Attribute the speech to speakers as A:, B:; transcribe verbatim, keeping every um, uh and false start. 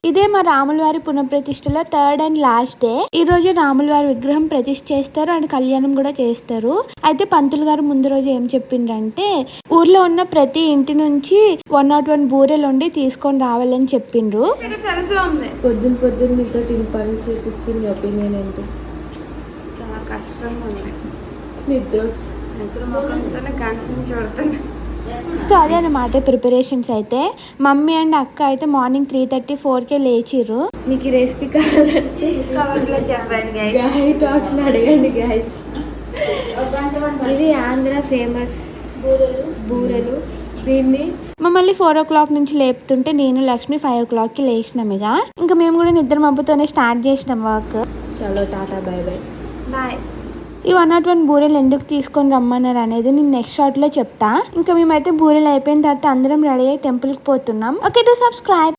A: ఇదే మా రాముల వారి పునఃప్రతిష్టలో థర్డ్ అండ్ లాస్ట్ డే. ఈ రోజు రాముల వారి విగ్రహం ప్రతిష్ఠ చేస్తారు అండ్ కళ్యాణం కూడా చేస్తారు. అయితే పంతులు గారు ముందు రోజు ఏం చెప్పిండ్రంటే ఊర్లో ఉన్న ప్రతి ఇంటి నుంచి వన్ నాట్ వన్ బూరెలు ఉండి తీసుకొని రావాలని చెప్పిండ్రు.
B: పొద్దున్న పొద్దున్న మీతో పనులు చేపిస్తుంది ఒపీనియన్ ఏంటి?
C: చాలా కష్టంగా ఉంది.
B: నిద్ర
C: నిద్ర ముఖంతోనే గంట నుంచి పడుతుంది.
A: సో అదే అన్నమాట ప్రిపరేషన్స్ అయితే. మమ్మీ అండ్ అక్క అయితే మార్నింగ్ త్రీ థర్టీ ఫోర్కే లేచిర్రు.
B: మీకు ఈ రెసిపీ కావాలంటే
C: కవర్లో చెప్పండి గైస్.
B: గాయ్ టాక్స్ అడగండి గైస్. ఇది ఆంధ్ర ఫేమస్ బూరెలు. దీన్ని
A: మమ్మల్ని ఫోర్ ఓ క్లాక్ నుంచి లేపుతుంటే నేను లక్ష్మి ఫైవ్ ఓ క్లాక్కి లేచినాం. ఇక ఇంకా మేము కూడా నిద్ర మబ్బుతోనే స్టార్ట్ చేసినాం వర్క్.
B: చలో టాటా బై బై
C: బాయ్.
A: ఈ వన్ నాట్ వన్ బూరెలు ఎందుకు తీసుకొని రమ్మన్నారు అనేది నేను నెక్స్ట్ షార్ట్లో చెప్తా. ఇంకా మేమైతే బూరెలు అయిపోయిన తర్వాత అందరం రెడీ అయ్యి టెంపుల్కి పోతున్నాం. Okay to subscribe.